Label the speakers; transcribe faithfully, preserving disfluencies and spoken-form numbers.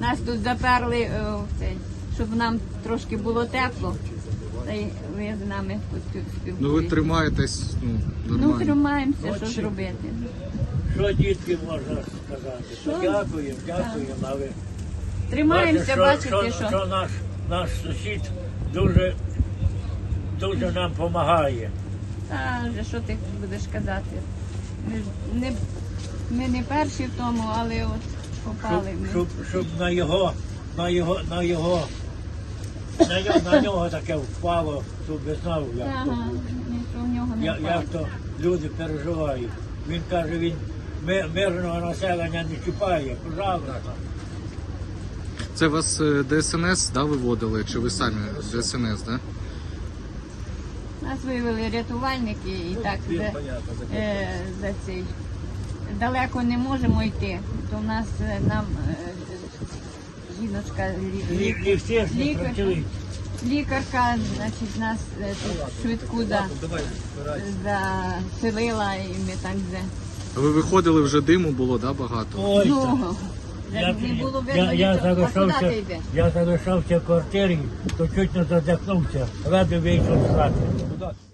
Speaker 1: Нас тут заперли, е, в цей, щоб нам трошки було тепло. Та й ви з нами тут спілкуєтесь.
Speaker 2: Ну ви тримаєтесь, ну,
Speaker 1: Ну,
Speaker 2: нормально.
Speaker 1: тримаємося, що зробити.
Speaker 3: Що дітки можна сказати?
Speaker 1: Що?
Speaker 3: Дякуємо, дякуємо, але
Speaker 1: Тримаємося, бачите,
Speaker 3: що,
Speaker 1: що.
Speaker 3: що наш, наш сусід дуже, дуже нам допомагає.
Speaker 1: Та вже що ти будеш казати? Ми, ж не, ми не перші в тому, але от
Speaker 3: Щоб,
Speaker 1: попали ми.
Speaker 3: щоб, щоб на його, на його, на його, на нього, на нього таке впало, щоб би знав, як то
Speaker 1: Ага,
Speaker 3: буде.
Speaker 1: ніхто в нього не
Speaker 3: Я-
Speaker 1: впав.
Speaker 3: Як то люди переживають. Він каже, він ми- мирного населення не чіпає, пожалуйста.
Speaker 2: Це вас е, Де Ес Ен Ес, да, виводили, чи ви самі Де Ес Ен Ес, да?
Speaker 1: Нас виявили рятувальники і так за, е, за цей. Далеко не можемо йти, то в нас е, нам е, жіночка лі-
Speaker 3: Лі- Ліфти ж не
Speaker 1: лікарка,
Speaker 3: працюють.
Speaker 1: лікарка, значить, нас е, тут швидку за, заселила і ми так вже.
Speaker 2: Ви виходили, вже диму було, да, багато?
Speaker 3: Ой,
Speaker 1: Ну,
Speaker 3: так.
Speaker 1: вже не було видно
Speaker 3: я, я,
Speaker 1: нічого. А куди
Speaker 3: залишався,
Speaker 1: ти йдеш?
Speaker 3: я залишався в квартирі, то чуть не задихнувся, радий вийшов з хати.